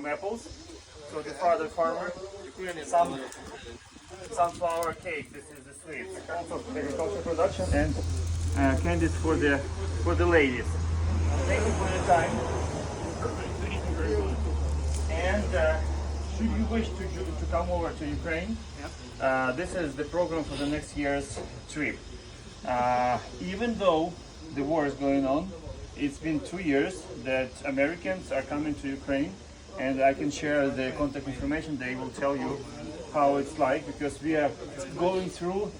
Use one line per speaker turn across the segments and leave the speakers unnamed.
from apples. So the father farmer, some sunflower cake. This is the sweet. Also agriculture production and candies for the ladies. Thank you for your time. And should you wish to come over to Ukraine, this is the program for the next year's trip. Even though the war is going on, it's been 2 years that Americans are coming to Ukraine, and I can share the contact information. They will tell you how it's like, because we are going through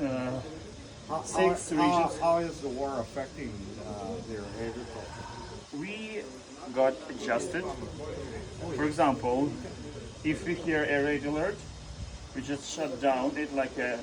6 regions.
How is the war affecting their agriculture?
We got adjusted. For example, if we hear a red alert, we just shut down it like a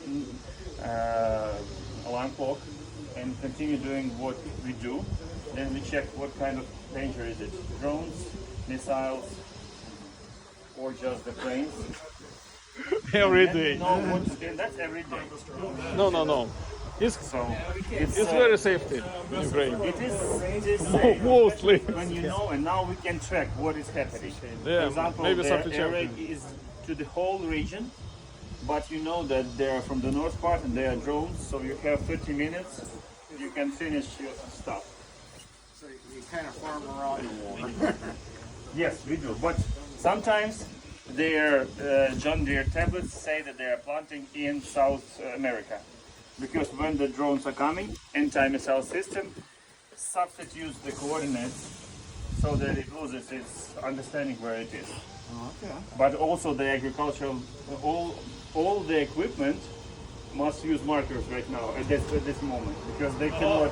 alarm clock and continue doing what we do. Then we check what kind of danger is it. Drones, missiles, or just the planes.
Every
And we
day.
know and that's every day.
No. It's
It's
very safety in Ukraine.
it is safe.
Mostly.
When you know, and now we can track what is happening.
Yeah,
For example,
maybe
the
something
air raid
champion.
is to the whole region, but you know that they are from the north part and they are drones, so you have 30 minutes, you can finish your stuff.
So you kind of farm around the war.
Yes, we do, but sometimes their John Deere tablets say that they are planting in South America, because when the drones are coming, anti-missile system substitutes the coordinates so that it loses its understanding where it is.
Okay.
But also the agricultural, all the equipment must use markers right now at this moment, because they cannot.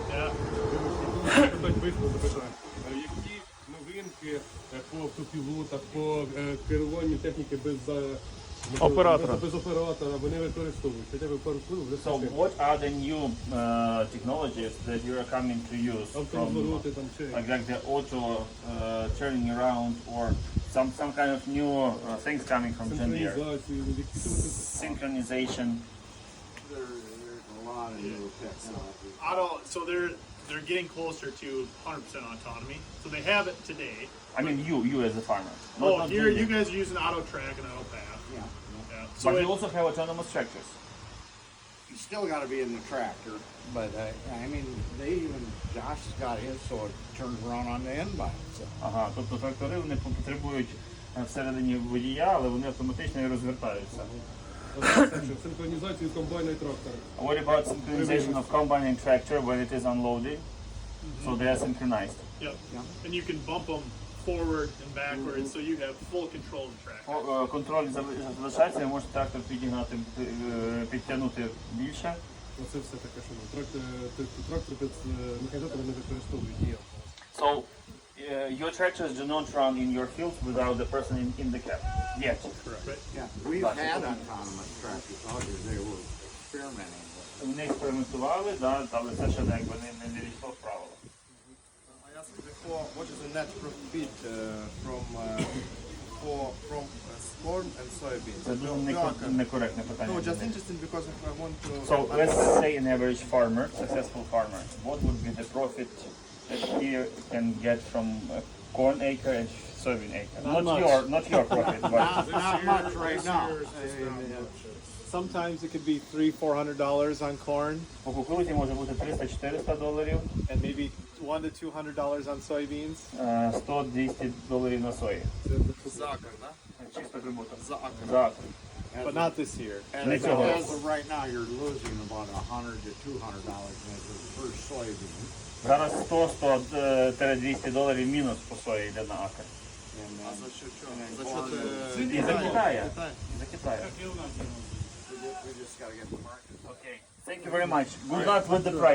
Так вийшло запитання. Які новинки по автопілотах, по керуванню техніки без
Оператора.
без оператора вони використовують? Хоча б пару слів вже
So
все.
what are the new technologies that you are coming to use from
Авторозвороти там чи
like the auto turning around, or some kind of new things coming from John Deere?
синхронізацію, які
Synchronization.
There's a lot of new technology.
So they're getting closer to 100% autonomy. So they have it today.
I mean, you as a farmer. Not
Oh,
John
here
Deere.
you guys are using auto track and auto path.
Yeah.
Yeah. So
But
it,
you also have autonomous tractors.
You still got to be in the tractor, but I mean, Josh has got his, so it turns around on the end by itself.
Ага, тобто трактори вони потребують всередині водія, але вони автоматично і розвертаються.
синхронізацію комбайна і трактора.
What about synchronization of combine and tractor when it is unloaded? So they are synchronized.
yep. And you can bump them forward and backwards, so you have full control of the track.
Контроль залишається, і може трактор підігнати, підтягнути більше.
Оце все таке, що трактор без механізатора не використовують ніяк.
So your tractors do not run in your fields without the person in the cab yet.
Yeah, we've had autonomous tractors out here. They were experimenting with.
Вони експериментували, да, але це ще якби не війшло в правила.
I asked before, what is the net profit from corn and soybeans?
Це дуже некоректне питання.
No, just interesting because I want to.
So let's say an average farmer, successful farmer, what would be the profit that he can get from a corn acre and soybean acre? Not your profit, but
Not much right now.
Sometimes it could be $300-400 on corn,
по кукурудзі може бути $300-400,
and maybe $100 to $200 on soybeans.
$100-200 на сої.
За акр, да?
Чисто прибуток.
За акр.
За акр.
But not this year.
As,
Не цього
as
року.
of right now, you're losing about $100 to $200 per soybean.
Зараз $100-200 мінус по сої йде на акр.
And
А
then,
за счет чого?
and
За
then
счет
corn,
І за Китая.
Китай.
І за Китаю.
we just got to get the market.
Okay. Thank you very much. Good luck with the price.